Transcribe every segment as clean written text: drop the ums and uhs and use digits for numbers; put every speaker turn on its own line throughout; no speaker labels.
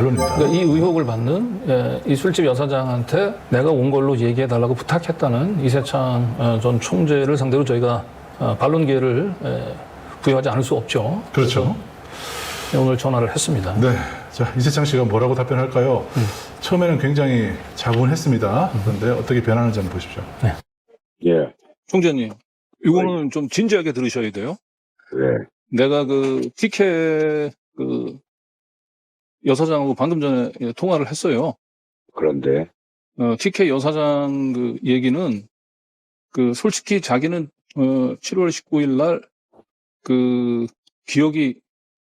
반론입니다.
그러니까 이 의혹을 받는 이 술집 여사장한테 내가 온 걸로 얘기해달라고 부탁했다는 이세창 전 총재를 상대로 저희가 반론 기회를 부여하지 않을 수 없죠.
그렇죠.
오늘 전화를 했습니다.
네. 자, 이세창 씨가 뭐라고 답변할까요? 처음에는 굉장히 자분했습니다. 그런데 어떻게 변하는지 한번 보십시오.
예,
총재님, 이거는 좀 진지하게 들으셔야 돼요.
왜?
내가 그 TK 그 여사장하고 방금 전에 통화를 했어요.
그런데,
TK 여사장 그 얘기는 그 솔직히 자기는 7월 19일 날 그 기억이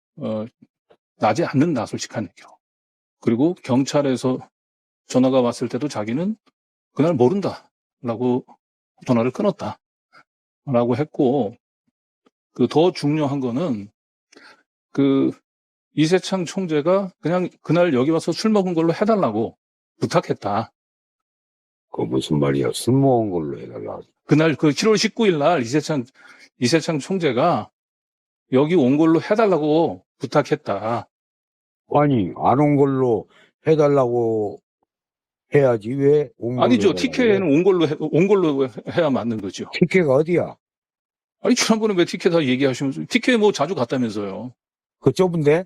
나지 않는다, 솔직한 얘기로. 그리고 경찰에서 전화가 왔을 때도 자기는 그날 모른다라고 전화를 끊었다라고 했고, 그 더 중요한 거는 그 이세창 총재가 그냥 그날 여기 와서 술 먹은 걸로 해달라고 부탁했다.
그 무슨 말이야? 술 먹은 걸로 해달라.
그날 그 7월 19일 날 이세창 총재가 여기 온 걸로 해달라고 부탁했다.
아니, 안 온 걸로 해달라고 해야지. 왜 온 걸로
아니죠.
해달라고
TK는
해?
온 걸로 해야 맞는 거죠.
TK가 어디야?
아니, 지난번에 왜 TK 다 얘기하시면서, TK 뭐 자주 갔다면서요.
그 좁은데?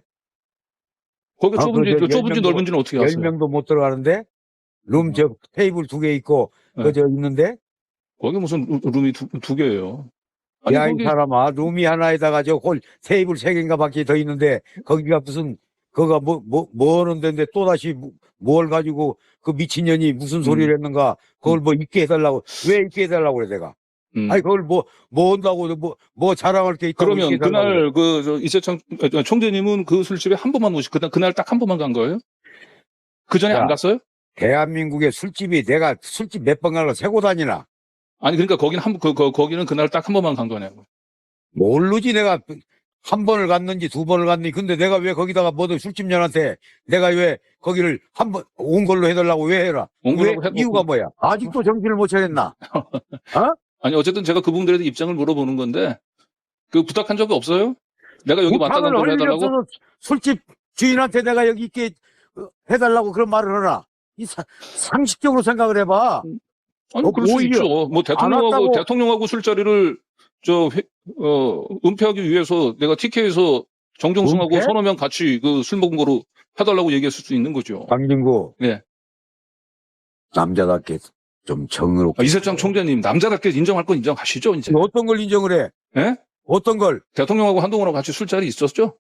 거기가
아,
좁은지,
그 저
좁은지
10명도
넓은지는 어떻게 아세요?
10명도 못 들어가는데? 룸 저 테이블 2개 있고,
네.
그저 있는데?
거기 무슨 룸이 두 개예요. 아니,
야, 이
거기,
사람아, 룸이 하나에다가 저 홀 테이블 3개인가 밖에 더 있는데, 거기가 무슨, 거가 뭐 하는 데인데 또다시 뭘 가지고 그 미친년이 무슨 소리를 했는가, 그걸 뭐 있게 해달라고, 왜 있게 해달라고 그래, 내가. 아니, 그걸 뭐 한다고, 뭐 자랑할 게 있다고.
그러면
있게 해달라고 그래.
그날 이세창 총재님은 그 술집에 한 번만 그날 딱 한 번만 간 거예요? 그 전에
야.
안 갔어요?
대한민국의 술집이 내가 술집 몇 번 가려 세고 다니나?
아니, 그러니까 거기는 그날 딱 한 번만 간 거냐고.
모르지, 내가 한 번을 갔는지 두 번을 갔는지. 근데 내가 왜 거기다가 뭐든 술집년한테 내가 왜 거기를 한 번 온 걸로 해달라고 왜 해라?
온
왜
걸로
이유가 뭐야? 아직도 정신을 못 차렸나? 어?
아니, 어쨌든 제가 그 부분들에 대해서 입장을 물어보는 건데, 그 부탁한 적이 없어요? 내가 여기 왔다 간
부탁을
걸로
할 일이
해달라고?
없어서 술집 주인한테 내가 여기 있게 해달라고 그런 말을 하나? 상식적으로 생각을 해봐.
아니, 그럴 수
오히려
있죠. 뭐
안 왔다고.
대통령하고 술자리를 은폐하기 위해서 내가 TK에서 정정승하고
은폐?
서너 명 같이 그 술 먹은 거로 해달라고 얘기했을 수 있는 거죠.
강진구.
네.
남자답게 좀 정의롭게.
이세창 총재님, 남자답게 인정할 건 인정하시죠, 이제?
어떤 걸 인정을 해?
예?
어떤 걸?
대통령하고 한동훈하고 같이 술자리 있었죠?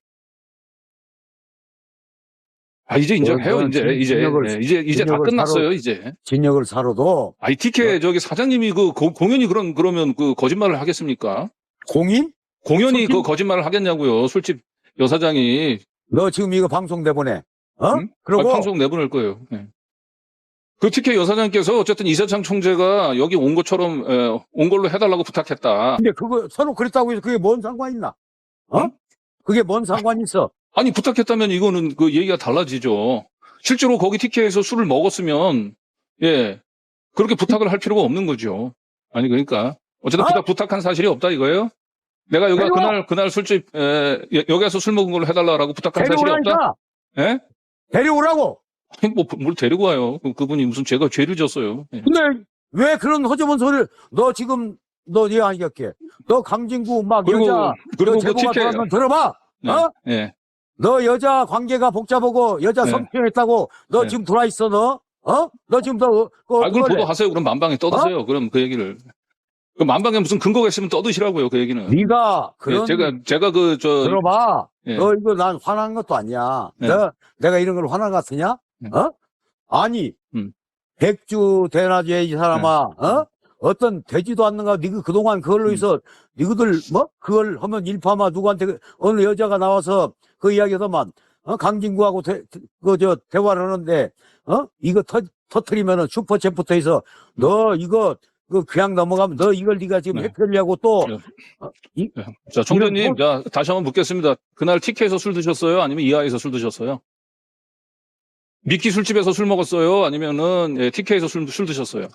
이제 인정해요,
그건
이제 다
진역을
끝났어요, 이제.
진역을 사러도
이 TK 저기 사장님이 공연이 그러면 그 거짓말을 하겠습니까?
공인?
공연이
술집?
그 거짓말을 하겠냐고요, 술집 여사장이.
너 지금 이거 방송 내보내. 어?
응?
그리고
방송 내보낼 거예요. 네. 그 TK 여사장께서 어쨌든 이세창 총재가 여기 온 것처럼 온 걸로 해달라고 부탁했다.
근데 그거 서로 그랬다고 해서 그게 뭔 상관 있나? 어?
응?
그게 뭔 상관 있어?
아니, 부탁했다면 이거는 그 얘기가 달라지죠. 실제로 거기 TK에서 술을 먹었으면 그렇게 부탁을 할 필요가 없는 거죠. 아니, 그러니까 어쨌든 부탁한 사실이 없다 이거예요? 내가 여기가 그날 술집 여기서 술 먹은 걸로 해달라고 부탁한 사실이 없다?
데려오라니까.
예?
데려오라고.
아니, 뭘 데리고 와요? 그분이 무슨 제가 죄를 졌어요. 예.
근데 왜 그런 허접한 소리를 너 지금 너 얘기할게. 너 강진구 막
그리고
여자
그
너 제보가
TK
들어왔면 들어봐.
네.
어?
예.
너 여자 관계가 복잡하고 여자
네.
성추행했다고 너
네.
지금 들어와 있어 너? 어? 너 지금 너
그걸 보도하세요. 그럼 만방에 떠드세요. 그럼 그 얘기를. 그 만방에 무슨 근거가 있으면 떠드시라고요. 그 얘기는.
네가 그런
제가
들어봐.
예.
너 이거 난 화난 것도 아니야.
네.
내가 이런 걸 화난 것 같으냐?
네.
어? 아니 백주 대낮에 이 사람아,
네.
어? 어떤 되지도 않는가? 니가 그동안 그걸로 해서 니그들 뭐 그걸 하면 일파마 누구한테 어느 여자가 나와서 그 이야기하더만 강진구하고 대화를 하는데 이거 터트리면은 슈퍼챗부터 해서 너 이거 그냥 넘어가면 너 이걸 네가 지금
네.
해결하려고 또
자, 총재님,
이런
자, 다시 한번 묻겠습니다. 그날 TK에서 술 드셨어요? 아니면 이하에서 술 드셨어요? 미끼 술집에서 술 먹었어요? 아니면은 TK에서 술 드셨어요?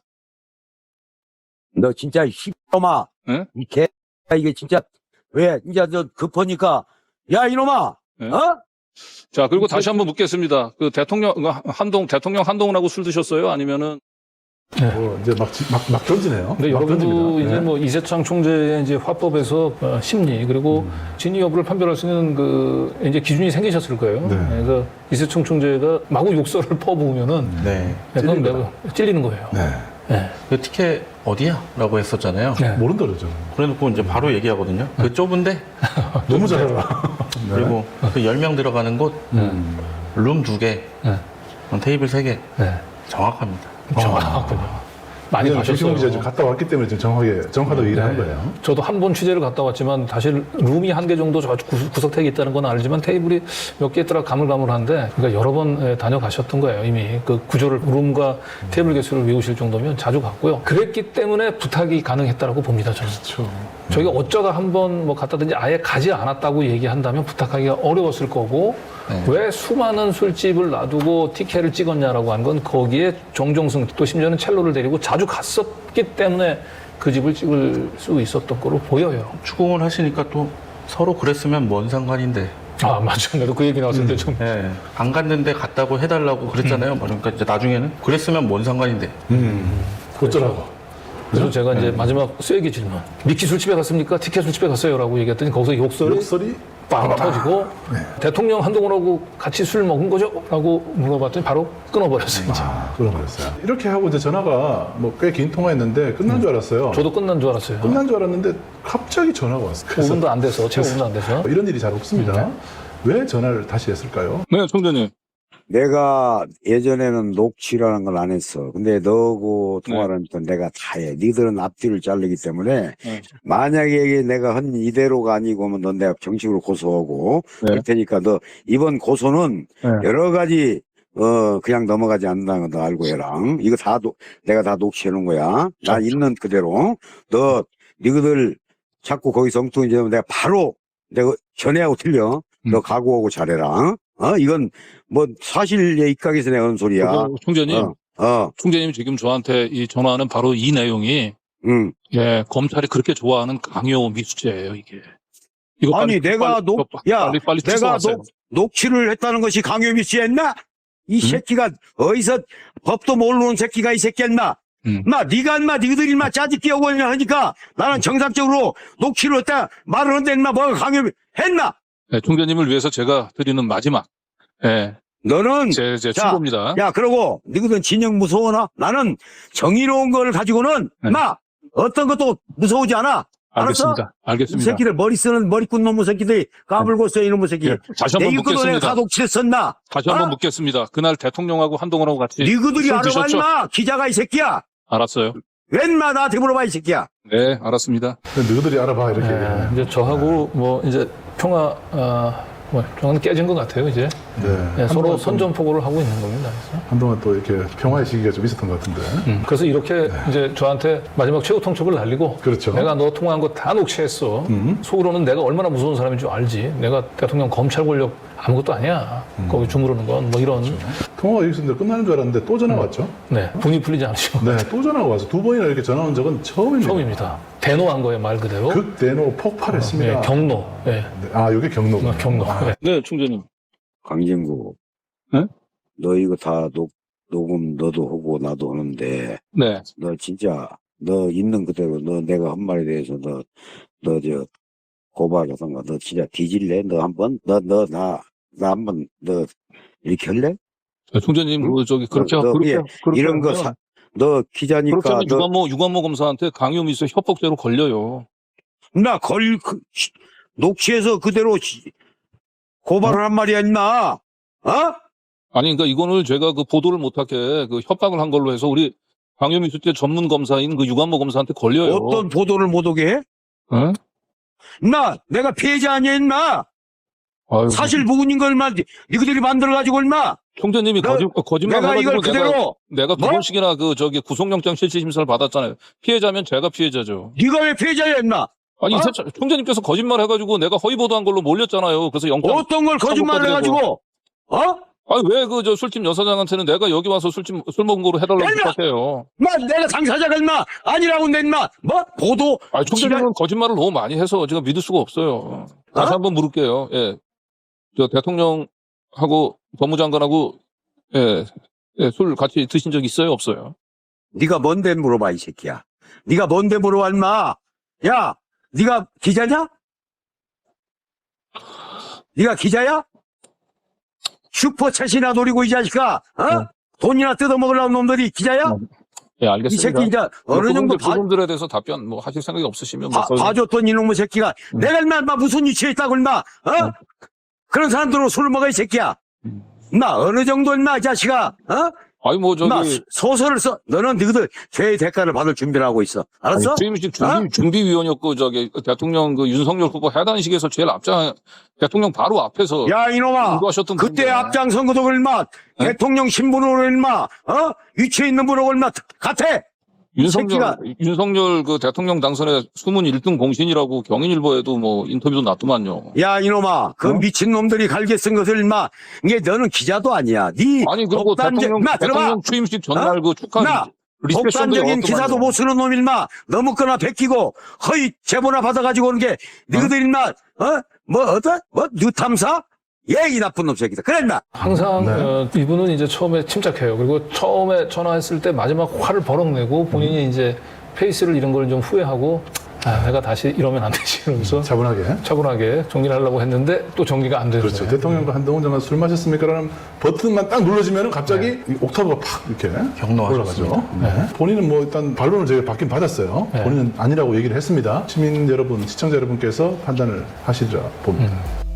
너 진짜 씨발놈아.
예?
이 이게 진짜 왜 이제 저 급하니까 야 이놈아.
예?
어?
자, 그리고 다시 한번 묻겠습니다. 그 대통령 한동훈하고 술 드셨어요? 아니면은
이제 막 던지네요.
근데
막
여러분도
던집니다.
이제
네.
뭐 이세창 총재의 이제 화법에서 심리 그리고 진위 여부를 판별할 수 있는 그 이제 기준이 생기셨을 거예요.
네.
그래서 이세창 총재가 마구 욕설을 퍼부으면
네.
그건 내가 찔리는 거예요.
네.
네.
그 티켓 어디야? 라고 했었잖아요.
네.
모른다 그러죠.
그래놓고 이제 바로 얘기하거든요. 그 좁은데,
너무 잘 알아.
그리고 그 10명 들어가는 곳, 룸 2개,
네.
테이블 3개.
네.
정확합니다.
정확하군요. 많이
이건
가셨어요.
백시봉 기자 지금 갔다 왔기 때문에 지금 정확하다고 얘기를 하는 거예요.
저도 한 번 취재를 갔다 왔지만 사실 룸이 1개 정도 구석택이 있다는 건 알지만 테이블이 몇 개 있더라 가물가물한데 그러니까 여러 번 다녀가셨던 거예요. 이미 그 구조를 룸과 테이블 개수를 외우실 정도면 자주 갔고요. 그랬기 때문에 부탁이 가능했다고 봅니다. 저는.
그렇죠.
저희가 어쩌다 한 번 뭐 갔다든지 아예 가지 않았다고 얘기한다면 부탁하기가 어려웠을 거고
네.
왜 수많은 술집을 놔두고 티켓을 찍었냐라고 한 건 거기에 정종승 또 심지어는 첼로를 데리고 자주 갔었기 때문에 그 집을 찍을 수 있었던 거로 보여요.
추궁을 하시니까 또 서로 그랬으면 뭔 상관인데.
아 맞아. 나도 그 얘기 나왔을 때 좀.
예. 안 갔는데 갔다고 해달라고 그랬잖아요. 그러니까 이제 나중에는 그랬으면 뭔 상관인데.
어쩌라고.
그래서 제가 이제 마지막 쐐기 질문. 미키 술집에 갔습니까? 티켓 술집에 갔어요? 라고 얘기했더니 거기서 욕설이 빵 터지고 대통령 한동훈하고 같이 술 먹은 거죠? 라고 물어봤더니 바로 끊어버렸어요. 이제.
끊어버렸어요. 이렇게 하고 이제 전화가 뭐 꽤 긴 통화했는데 끝난 줄 알았어요.
저도 끝난 줄 알았어요.
끝난 줄 알았는데 갑자기 전화가 왔어요. 그래서
5분도 안 돼서, 채 5분도 안 돼서.
이런 일이 잘 없습니다. 왜 전화를 다시 했을까요?
네, 총재님.
내가 예전에는 녹취라는 걸 안 했어. 근데 너하고 통화를 하니까 내가 다 해. 니들은 앞뒤를 자르기 때문에
네.
만약에 내가 한 이대로가 아니고 하면 넌 내가 정식으로 고소하고
네.
그럴 테니까 너 이번 고소는
네.
여러 가지 그냥 넘어가지 않는다는 거 너 알고 해라. 이거 내가 다 녹취해 놓은 거야. 나 있는 그대로. 너 니들 자꾸 거기서 엉뚱히 되면 내가 바로 내가 전해하고 틀려. 너 각오하고 잘해라. 이건 뭐 사실에 입각해서 내가 하는 소리야.
총재님. 총재님 지금 저한테 이 전화하는 바로 이 내용이 예, 검찰이 그렇게 좋아하는 강요 미수죄예요, 이게. 이거
아니 내가
빨리
내가
취소하세요.
녹취를 했다는 것이 강요 미수했나? 이 새끼가 어디서 법도 모르는 새끼가 이 새끼였나? 네가 인마 니들이 인마 짜집기 하고 하니까 나는 정상적으로 녹취를 했다 말을 한데 인마 뭐가 강요 했나?
네, 총재님을 위해서 제가 드리는 마지막 예,
너는
제
자,
충고입니다.
야 그러고 니들은 진영 무서워나? 나는 정의로운 걸 가지고는
네.
어떤 것도 무서우지 않아. 알았어?
알겠습니다.
이
알겠습니다.
새끼들 머리 쓰는 머리꾼 놈의 새끼들이 까불고 있어 이놈의 새끼.
예, 다시 한번
내 이거도 내가
묻겠습니다.
다 녹취했었나?
다시 한번 묻겠습니다. 그날 대통령하고 한동훈하고 같이
니그들이
술
알아봐
드셨죠?
인마 기자가 이 새끼야.
알았어요.
웬마 나한테 물어봐 이 새끼야.
네, 알았습니다.
너희들이 알아봐 이렇게 얘기하는.
이제 저하고 뭐 이제 평화, 평화는 깨진 것 같아요, 이제.
네.
서로 선전포고를 하고 있는 겁니다. 그래서.
한동안 또 이렇게 평화의 시기가 좀 있었던 것 같은데.
그래서 이렇게 이제 저한테 마지막 최후 통첩을 날리고
그렇죠.
내가 너 통화한 거 다 녹취했어. 속으로는 내가 얼마나 무서운 사람인 줄 알지. 내가 대통령 검찰 권력 아무것도 아니야. 거기 주무르는 건 뭐 이런.
통화가 여기서 끝나는 줄 알았는데 또 전화가 왔죠.
네, 분이 풀리지 않으시고.
네, 또 전화가 와서 2번이나 이렇게 전화 온 적은 처음입니다.
처음입니다. 대노한 거예요, 말 그대로.
극대노 폭발했습니다.
예, 경로. 예.
네, 이게 경로구나.
경로. 예.
네, 총재님.
강진구.
네?
너 이거 다 녹음 너도 하고 나도 하는데
네.
너 진짜 너 있는 그대로 너 내가 한 말에 대해서 너 저 고발하던가 너 진짜 뒤질래? 너 한번 나 한번 너 이렇게 할래?
네, 총재님,
응?
저기 그렇게
너
그렇게
이런 거
하면
너 기자니까
그렇게 하면
너
유관모 검사한테 강요미수 협박죄로 걸려요.
녹취해서 그대로 고발을 한 말이야 임마.
아니, 그러니까 이거는 제가 그 보도를 못하게 그 협박을 한 걸로 해서 우리 강요미수죄 전문 검사인 그 유관모 검사한테 걸려요.
어떤 보도를 못 오게 해?
응?
내가 피해자 아니야 임마.
아유,
사실 무근인 걸 임마 니들이 만들어가지고 임마.
총재님이 거짓말
내가 이걸
해가지고
그대로
내가 두
뭐?
번씩이나 구속영장 실질심사를 받았잖아요. 피해자면 제가 피해자죠.
네가 왜 피해자야 임마.
아니, 총재님께서 거짓말 해가지고 내가 허위보도한 걸로 몰렸잖아요. 그래서 영장.
어떤 걸 거짓말을 해가지고
아니, 왜 술집 여사장한테는 내가 여기 와서 술 먹은 거로 해달라고
얼마?
부탁해요.
내가 당사자가 임마 아니라고 내 임마 보도
아니, 총재님은 거짓말을 너무 많이 해서 제가 믿을 수가 없어요. 다시 한번 물을게요. 예. 대통령 법무장관하고 술 같이 드신 적 있어요? 없어요?
네가 뭔데 물어봐, 이 새끼야. 네가 뭔데 물어봐, 인마. 야, 네가 기자냐? 네가 기자야? 슈퍼챗이나 노리고 이 자식아, 돈이나 뜯어먹으려는 놈들이 기자야?
예,
이
알겠습니다.
새끼 이제 어느 정도
그분들에 대해서 답변 뭐 하실 생각이 없으시면 뭐
봐줬던 이놈의 새끼가 내가 인마 무슨 위치에 있다고 인마 그런 사람들로 술을 먹어 이 새끼야 인마 어느 정도 인마 이 자식아
아니 뭐
인마
저기
소설을 써 너는 너희들 죄의 대가를 받을 준비를 하고 있어 알았어?
주임식 준비위원이었고 저기 대통령 그 윤석열 후보 해단식에서 제일 앞장 대통령 바로 앞에서
야 이놈아
인도하셨던
그때
분인데.
앞장선 것도 인마 대통령 신분으로 인마 위치에 있는 분으로 인마 같아
윤석열 그 대통령 당선의 수문 1등 공신이라고 경인일보에도 뭐 인터뷰도 놨더만요.
야 이놈아 그 미친놈들이 갈게 쓴 것을 인마 이게 너는 기자도 아니야 네
아니 그리고 대통령 취임식 전날 그 축하 리셉션도
독단적인 기사도 못 쓰는 놈 일마 너무 거나 베끼고 허위 제보나 받아가지고 오는 게 너희들 일마 뉴탐사 이 나쁜 놈 새끼다 그래 인마
항상 이분은 이제 처음에 침착해요. 그리고 처음에 전화했을 때 마지막 화를 버럭내고 본인이 이제 페이스를 잃은 걸 좀 후회하고 내가 다시 이러면 안 되지 이러면서 차분하게 정리를 하려고 했는데 또 정리가 안 되죠.
그렇죠. 대통령과 한동훈 장관 술 마셨습니까? 라는 버튼만 딱 눌러지면 갑자기 이 옥타브가 팍 이렇게 올라가죠. 본인은 뭐 일단 반론을 저희가 받긴 받았어요. 본인은 아니라고 얘기를 했습니다. 시민 여러분, 시청자 여러분께서 판단을 하시리라 봅니다.